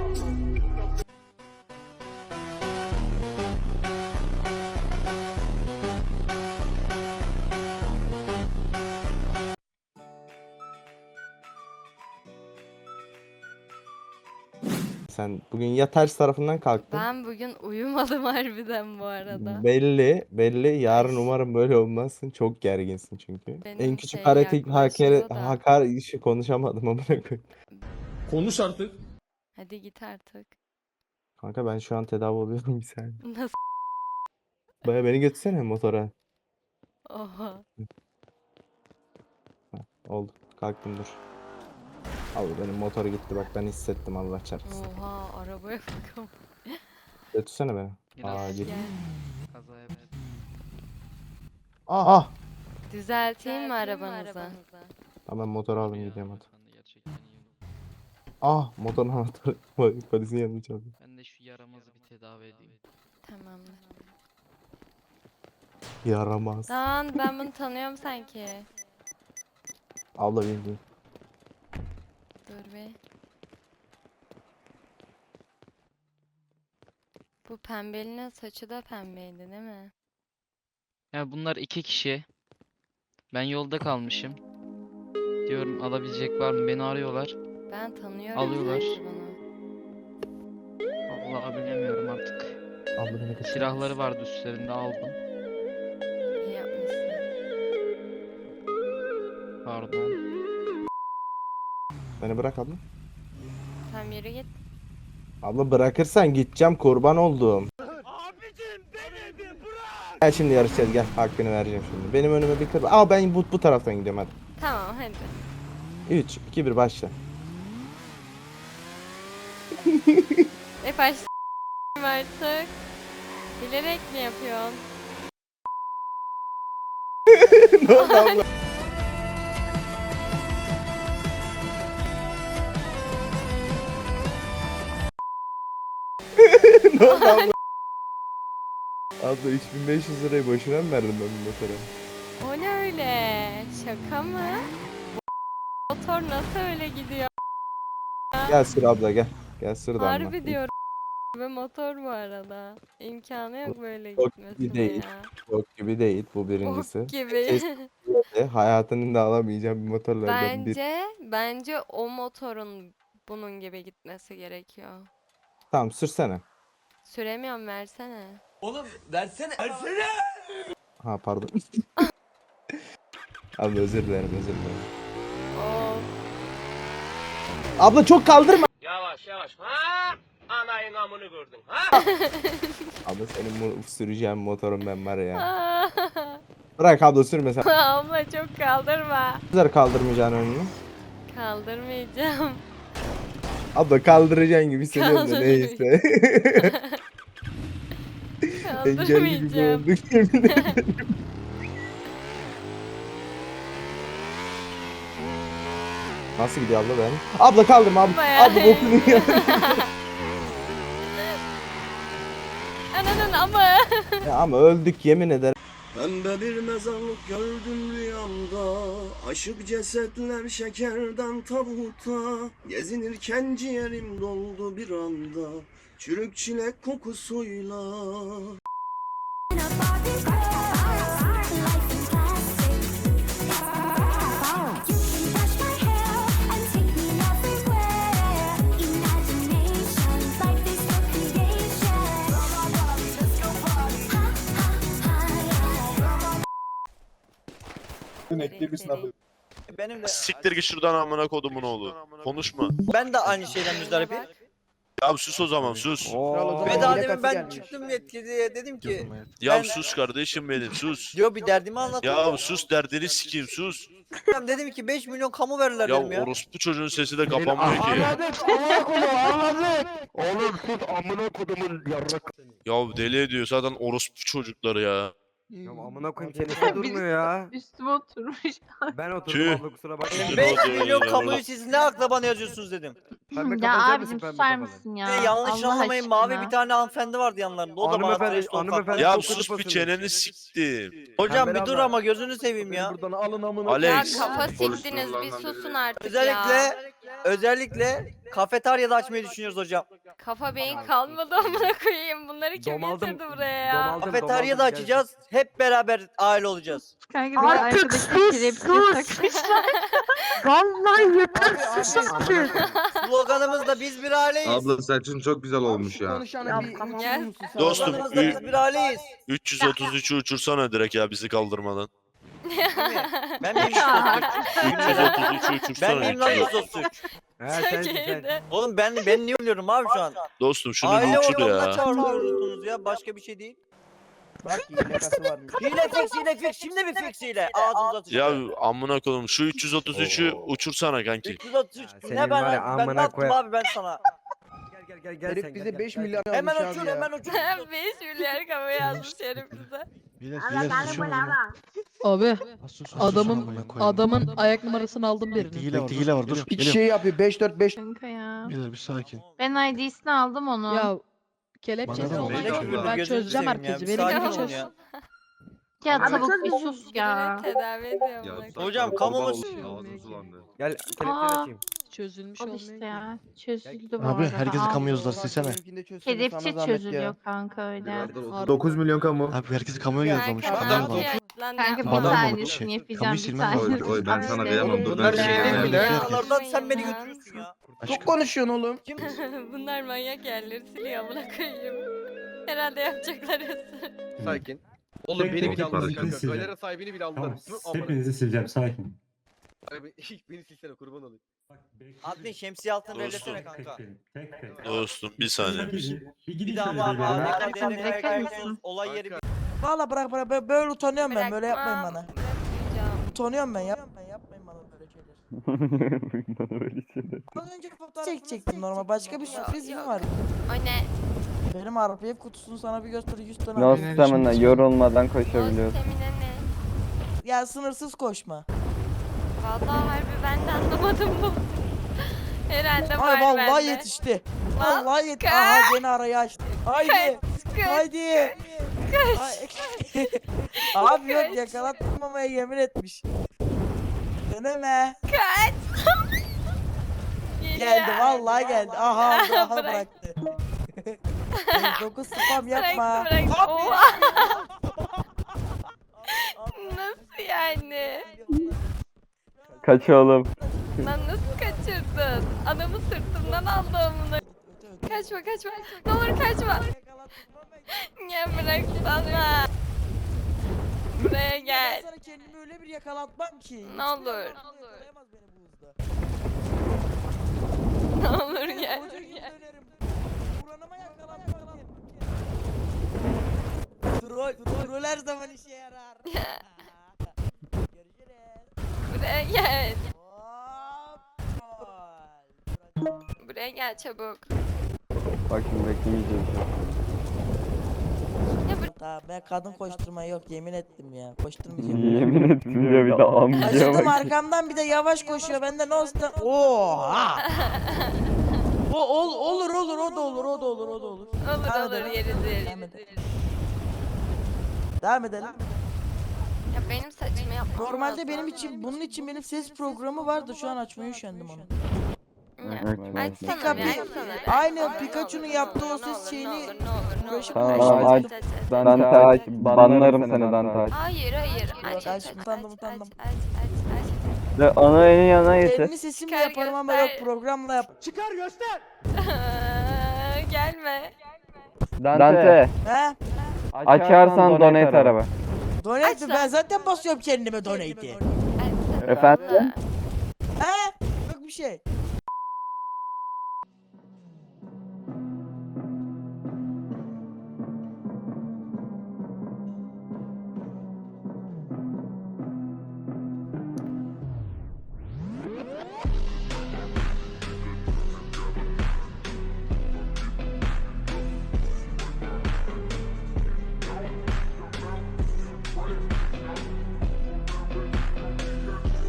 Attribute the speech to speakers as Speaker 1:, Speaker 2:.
Speaker 1: Sen bugün ya ters tarafından kalktın.
Speaker 2: Ben bugün uyumadım harbiden bu arada.
Speaker 1: Belli. Yarın
Speaker 2: Ay.
Speaker 1: umarım böyle olmazsın. Çok gerginsin çünkü.
Speaker 2: Benim
Speaker 1: En küçük
Speaker 2: şey yaklaşıyor da.
Speaker 1: hakar işi konuşamadım amına koyayım.
Speaker 3: Konuş artık.
Speaker 2: Hadi git artık.
Speaker 1: Kanka ben şu an tedavi oluyorum bir saniye.
Speaker 2: Nasıl?
Speaker 1: Baya beni götürsene motora.
Speaker 2: Oha.
Speaker 1: Ha, oldu. Kalktım dur. Abi benim motor gitti bak ben hissettim Allah çarpsın.
Speaker 2: Oha arabaya bakalım.
Speaker 1: Götürsene beni.
Speaker 4: Biraz
Speaker 1: Aa
Speaker 2: Gel
Speaker 1: git.
Speaker 2: gel.
Speaker 4: kazaya verdim.
Speaker 1: Ah!
Speaker 2: Düzelteyim mi arabanızı?
Speaker 1: Ha, ben motoru aldım
Speaker 4: Ya,
Speaker 1: gidiyorum hadi.
Speaker 4: ben de gerçekten iyi oldu.
Speaker 1: Ah motorun anahtarı. Polisin yanına çaldım.
Speaker 4: Ben de şu yaramazı bir tedavi edeyim.
Speaker 2: Tamamdır.
Speaker 1: Yaramaz.
Speaker 2: Lan ben bunu tanıyorum sanki.
Speaker 1: Abla bildiğin.
Speaker 2: Dur be. Bu pembelinin saçı da pembeydi değil mi?
Speaker 4: Ya bunlar iki kişi. Ben yolda kalmışım. Diyorum alabilecek var mı? Beni arıyorlar.
Speaker 2: Ben tanıyorum
Speaker 4: Alıyorlar.
Speaker 2: sanki bunu.
Speaker 4: Vallahi bilemiyorum artık.
Speaker 1: Abla beni kaçır.
Speaker 4: Silahları vardı üstlerinde aldım.
Speaker 2: İyi yapmışsın.
Speaker 4: Pardon.
Speaker 1: Beni bırak abla.
Speaker 2: Tam yürü git.
Speaker 1: Abla bırakırsan gideceğim kurban oldum. Abicim beni bir bırak. Gel şimdi yarışacağız gel hakkını vereceğim şimdi. Benim önüme bir kır. Aa ben bu taraftan gidiyorum hadi.
Speaker 2: Tamam hadi.
Speaker 1: 3, 2, 1 başla.
Speaker 2: Başlayalım artık. Bilerek mi yapıyorsun?
Speaker 1: Ne oldu abla? Ne oldu abla? Abla 3500 lirayı boşuna mı verdim ben bu motora?
Speaker 2: O ne öyle? Şaka mı? Bu motor nasıl öyle gidiyor?
Speaker 1: Gel sür abla gel. Gel sür damla.
Speaker 2: Harbi diyorum. Ve motor bu arada. İmkanı yok böyle
Speaker 1: Bok gibi
Speaker 2: gitmesine
Speaker 1: değil.
Speaker 2: ya.
Speaker 1: Bok gibi değil bu birincisi.
Speaker 2: Bok gibi.
Speaker 1: Kesinlikle hayatının da alamayacağım bir motorlardan bir.
Speaker 2: Bence o motorun bunun gibi gitmesi gerekiyor.
Speaker 1: Tamam sürsene.
Speaker 2: Süremiyorum versene.
Speaker 3: Oğlum versene. Versene.
Speaker 1: Ha pardon. Abla özür dilerim özür dilerim.
Speaker 2: Of.
Speaker 1: Abla çok kaldırma.
Speaker 5: Yavaş yavaş. Ha? Anayın amını gördün. Ha?
Speaker 1: Abla senin bu süreceğin motorun ben var ya. Bırak abla sürme sen.
Speaker 2: Abla çok kaldırma.
Speaker 1: Güzel kaldırmayacaksın önünü.
Speaker 2: Kaldırmayacağım.
Speaker 1: Abla kaldıracaksın gibi hissediyorum da neyse. Engelli gibi
Speaker 2: Kaldırmayacağım.
Speaker 1: olduk yemin ederim. Nasıl gidiyor abla ben? Abla kaldırma abla.
Speaker 2: Bayağı
Speaker 1: Abla bokunu
Speaker 2: iyi.
Speaker 1: ya.
Speaker 2: Ananın ama.
Speaker 1: Ya ama öldük yemin ederim.
Speaker 6: Pembe bir mezarlık gördüm rüyamda. Aşık cesetler şekerden tabuta. Gezinirken ciğerim doldu bir anda. Çürük çilek kokusuyla.
Speaker 7: Benim de
Speaker 8: Siktir git şuradan amına kodumun oğlu. Konuşma.
Speaker 7: ben de aynı şeyden müzdarip.
Speaker 8: Ya sus o zaman sus.
Speaker 7: Ve daha demin ben çıktım yetkiliye dedim ki
Speaker 8: Ya
Speaker 7: ben-
Speaker 8: sus kardeşim benim sus.
Speaker 7: diyor bir derdimi
Speaker 8: Ya
Speaker 7: anlatıyorum.
Speaker 8: sus derdini sikeyim sus.
Speaker 7: Dedim ki 5 milyon kamu verirler
Speaker 8: Ya
Speaker 7: dedim ya.
Speaker 8: orospu çocuğun sesi de kapanmıyor ki. Ya deli ediyor zaten orospu çocukları ya.
Speaker 9: Ya amına koyayım seni durmuyor ya.
Speaker 10: Üstüme oturmuş.
Speaker 9: Ben oturdum
Speaker 8: Tüh.
Speaker 9: abla kusura bakma.
Speaker 7: 5 milyon kamuyu siz ne akla bana yazıyorsunuz dedim.
Speaker 9: Pembe
Speaker 10: Ya
Speaker 9: kafanı
Speaker 10: abicim
Speaker 9: pembe
Speaker 10: susar
Speaker 9: kafanı.
Speaker 10: mısın ya?
Speaker 7: Ve yanlış
Speaker 10: Allah
Speaker 7: anlamayın
Speaker 10: aşkına.
Speaker 7: mavi bir tane hanımefendi vardı yanlarında. O da bana
Speaker 9: Hanımefendi-
Speaker 7: trash talk
Speaker 9: hanımefendi-
Speaker 7: attı.
Speaker 8: Ya
Speaker 9: Çok
Speaker 8: sus bir
Speaker 9: kırpasın.
Speaker 8: çeneni siktim.
Speaker 7: Hocam
Speaker 9: Pembe
Speaker 7: bir dur
Speaker 9: abla.
Speaker 7: ama gözünü seveyim ya.
Speaker 3: Buradan alın amına.
Speaker 2: Ya
Speaker 8: Alex.
Speaker 2: kafa siktiniz bir susun artık ya.
Speaker 7: Özellikle özellikle kafeteryada açmayı düşünüyoruz hocam.
Speaker 2: Kafa beyin kalmadı amına koyayım. Bunları kim
Speaker 9: Domaldım,
Speaker 2: getirdi buraya ya?
Speaker 9: domaldım.
Speaker 7: Kafeteryada
Speaker 9: gel.
Speaker 7: açacağız. Hep beraber aile olacağız.
Speaker 2: Kanka bir arkadaki kelepçe
Speaker 10: Vallahi yeter
Speaker 7: Abi,
Speaker 10: sus artık.
Speaker 7: Sloganımız da biz bir aileyiz.
Speaker 11: Abla saçın çok güzel olmuş ya.
Speaker 2: Gel.
Speaker 8: Dostum
Speaker 7: Sloganımız da biz bir aileyiz.
Speaker 8: 333'ü uçursana direkt ya bizi kaldırmadan.
Speaker 7: Değil mi? Ben miyim
Speaker 8: 333'ü
Speaker 7: Ben
Speaker 8: uçursana.
Speaker 7: miyim lan 133?
Speaker 9: He sensin sen.
Speaker 2: Türkiye'de.
Speaker 7: Oğlum ben niye ölüyorum abi şu an?
Speaker 8: Dostum şunu
Speaker 7: Aile
Speaker 8: bir uçur
Speaker 7: organına
Speaker 8: ya.
Speaker 7: çağırıyorsunuz ya. Başka bir şey değil.
Speaker 6: Bak hilekası varmış.
Speaker 7: Hile fix. Şimdi bir fix hile. Ağzınıza
Speaker 8: Ya
Speaker 7: atacağım.
Speaker 8: amına koyayım şu 333'ü uçursana kanki.
Speaker 7: 333.
Speaker 9: Senin
Speaker 7: Ne
Speaker 9: var ya,
Speaker 7: ben
Speaker 9: amına
Speaker 7: ne yaptım
Speaker 9: koyayım.
Speaker 7: abi ben sana?
Speaker 9: Gel sen
Speaker 6: bize
Speaker 9: gel,
Speaker 6: 5
Speaker 9: gel.
Speaker 6: milyar
Speaker 7: Hemen
Speaker 6: almış
Speaker 7: uçur
Speaker 6: abi ya.
Speaker 7: hemen uçur.
Speaker 2: 5 milyar kafa yazmış herif bize.
Speaker 10: Abi adamın ayak numarasını aldım birinin.
Speaker 3: Hile var dur.
Speaker 6: İki şey yapıyor 5-4-5.
Speaker 2: Kanka ya.
Speaker 3: Bir sakin.
Speaker 2: Ben ID'sini aldım onun.
Speaker 10: Ya kelepçesi
Speaker 3: Bana da
Speaker 10: olacak.
Speaker 3: olacak.
Speaker 10: Ben
Speaker 7: Gözünü
Speaker 10: çözeceğim
Speaker 7: seveyim ya,
Speaker 10: herkesi.
Speaker 7: bir
Speaker 10: Benim
Speaker 7: sakin
Speaker 10: gibi
Speaker 7: olun
Speaker 10: çöz.
Speaker 7: ya.
Speaker 2: Ya tavuk bir sus ya. Tedavi ediyor
Speaker 11: Ya,
Speaker 2: bunu.
Speaker 7: Hocam, kamumuz-
Speaker 11: Ağzım sulandı.
Speaker 9: Gel kelepçe
Speaker 2: Aa.
Speaker 9: açayım.
Speaker 10: Çözülmüş
Speaker 2: Al
Speaker 10: olmuyor.
Speaker 2: işte
Speaker 10: ki.
Speaker 2: ya. Çözüldü bu
Speaker 3: Abi
Speaker 2: arada.
Speaker 3: herkesi
Speaker 2: Al.
Speaker 3: kamu yazılar silsene.
Speaker 2: Kelepçe çözülüyor kanka öyle.
Speaker 11: 9 milyon kamu.
Speaker 3: Abi herkesi kamuya yazılmış.
Speaker 2: Kanka,
Speaker 3: Kamuya
Speaker 2: kanka,
Speaker 3: yazılmış.
Speaker 2: kanka bir
Speaker 3: Adam mı bu
Speaker 2: tanesini
Speaker 3: şey?
Speaker 2: yapacağım
Speaker 3: Kamuyu
Speaker 2: bir
Speaker 3: silmen lazım.
Speaker 2: tanesini.
Speaker 11: Oy, ben sana kıyamam, dur,
Speaker 7: Bunlar
Speaker 11: ben
Speaker 7: şey
Speaker 11: sana
Speaker 7: değil mi
Speaker 11: kıyamam.
Speaker 7: lan? Aralardan sen beni götürüyorsun ya.
Speaker 6: Çok konuşuyorsun oğlum.
Speaker 7: Kim?
Speaker 2: Bunlar manyak yerleri siliyor amına koyayım. Herhalde yapacaklar ısır.
Speaker 3: Sakin. Oğlum beni bile
Speaker 11: Tek
Speaker 3: aldılar
Speaker 11: tek
Speaker 3: kanka.
Speaker 11: sileceğim.
Speaker 3: Galera sahibini bile aldılar.
Speaker 11: sileceğim sakin.
Speaker 3: Abi beni silsene kurban olayım.
Speaker 7: Admin şemsiye altını
Speaker 8: Dostum.
Speaker 7: ellesene kanka.
Speaker 8: Dostum bir saniye.
Speaker 7: Bir daha var ADK olay yeri.
Speaker 6: Valla bırak böyle utanıyorum ben böyle yapmayın bana.
Speaker 2: Bırakmayacağım.
Speaker 6: Utanıyorum ben yapmayın bana böyle şeyler. Az önce fotoğraf çekecektim normal başka bir sürpriz mi var?
Speaker 2: O ne?
Speaker 6: Benim RPF kutusunu sana bir göster 100 tane.
Speaker 3: No
Speaker 6: RPF.
Speaker 3: stamina,
Speaker 9: yorulmadan
Speaker 2: O stemine ne?
Speaker 6: Ya sınırsız koşma.
Speaker 2: Vallahi harbi ben de anlamadım bu. Herhalde var
Speaker 6: Ay vallahi
Speaker 2: bende.
Speaker 6: yetişti.
Speaker 2: Lan,
Speaker 6: Vallahi yetişti.
Speaker 2: kaç.
Speaker 6: Aha gene arayı açtı. Haydi.
Speaker 2: Kaç.
Speaker 6: Haydi. Abi yok yakalatmamaya yemin etmiş. Deneme.
Speaker 2: Kaç.
Speaker 6: Geldi vallahi geldi. Aha aldı, aha
Speaker 2: Bırak.
Speaker 6: bıraktı. 9 spam yapma.
Speaker 2: Bırak.
Speaker 6: Abi.
Speaker 2: Oha. Nasıl yani?
Speaker 9: Kaç oğlum.
Speaker 2: Lan nasıl kaçırdın? Adamı sırtımdan aldı amına. Kaçma. Ne olur kaçma. Ya bırak sana. Buraya gel.
Speaker 6: Ben sana kendimi öyle bir yakalatmam ki.
Speaker 2: Ne olur.
Speaker 6: Yakalayamaz beni bu hızda.
Speaker 2: Ne olur gel.
Speaker 6: Koca gün dönerim. Buranıma yakalatmam. Troll her zaman işe yarar. Görüşürüz.
Speaker 2: Buraya gel.
Speaker 6: Hop. Troll.
Speaker 2: Buraya gel çabuk.
Speaker 9: Bak şimdi beklemeyeceğim.
Speaker 6: Tamam ben kadın koşturma yok yemin ettim ya. Koşturmayacağım.
Speaker 9: Yemin ettim ya bir de amcaya
Speaker 6: Acıdım
Speaker 9: bak.
Speaker 6: arkamdan bir de yavaş koşuyor. Bende ne olsun? Oha. Olur o da olur.
Speaker 2: Olur
Speaker 6: Devam edelim.
Speaker 2: yeridir.
Speaker 6: Devam edelim.
Speaker 2: Ya benim saçımı yapmam
Speaker 6: Normalde
Speaker 2: lazım.
Speaker 6: benim için bunun için benim ses programı vardı. Şu an açmaya üşendim onu.
Speaker 2: Ya,
Speaker 9: Evet,
Speaker 2: açsana
Speaker 6: Pika
Speaker 2: bir,
Speaker 6: Pika.
Speaker 2: açsana.
Speaker 6: Aynen
Speaker 2: Ne
Speaker 6: Pikachu'nun
Speaker 2: olur,
Speaker 6: yaptığı
Speaker 2: ne
Speaker 6: o
Speaker 2: olur,
Speaker 6: ses
Speaker 2: ne
Speaker 6: şeyini
Speaker 2: olur, ne olur,
Speaker 6: uğraşıp
Speaker 2: ne olur.
Speaker 9: Tamam,
Speaker 6: uğraşıp-
Speaker 9: aç. Dante aç. Banlarım seni Dante aç.
Speaker 2: Hayır
Speaker 6: Yok, aç, utandım.
Speaker 2: aç.
Speaker 9: Ana en yana
Speaker 6: Kendi sesimle
Speaker 2: Çıkar
Speaker 6: yaparım ama
Speaker 2: göster.
Speaker 6: yok programla yap.
Speaker 2: Gelme.
Speaker 9: Dante.
Speaker 6: He?
Speaker 9: Açarsan donate araba.
Speaker 6: Donate
Speaker 2: Aç
Speaker 6: mi?
Speaker 2: lan.
Speaker 6: Ben zaten basıyorum kendime donate'i.
Speaker 9: Efendim?
Speaker 6: He? Yok bir şey.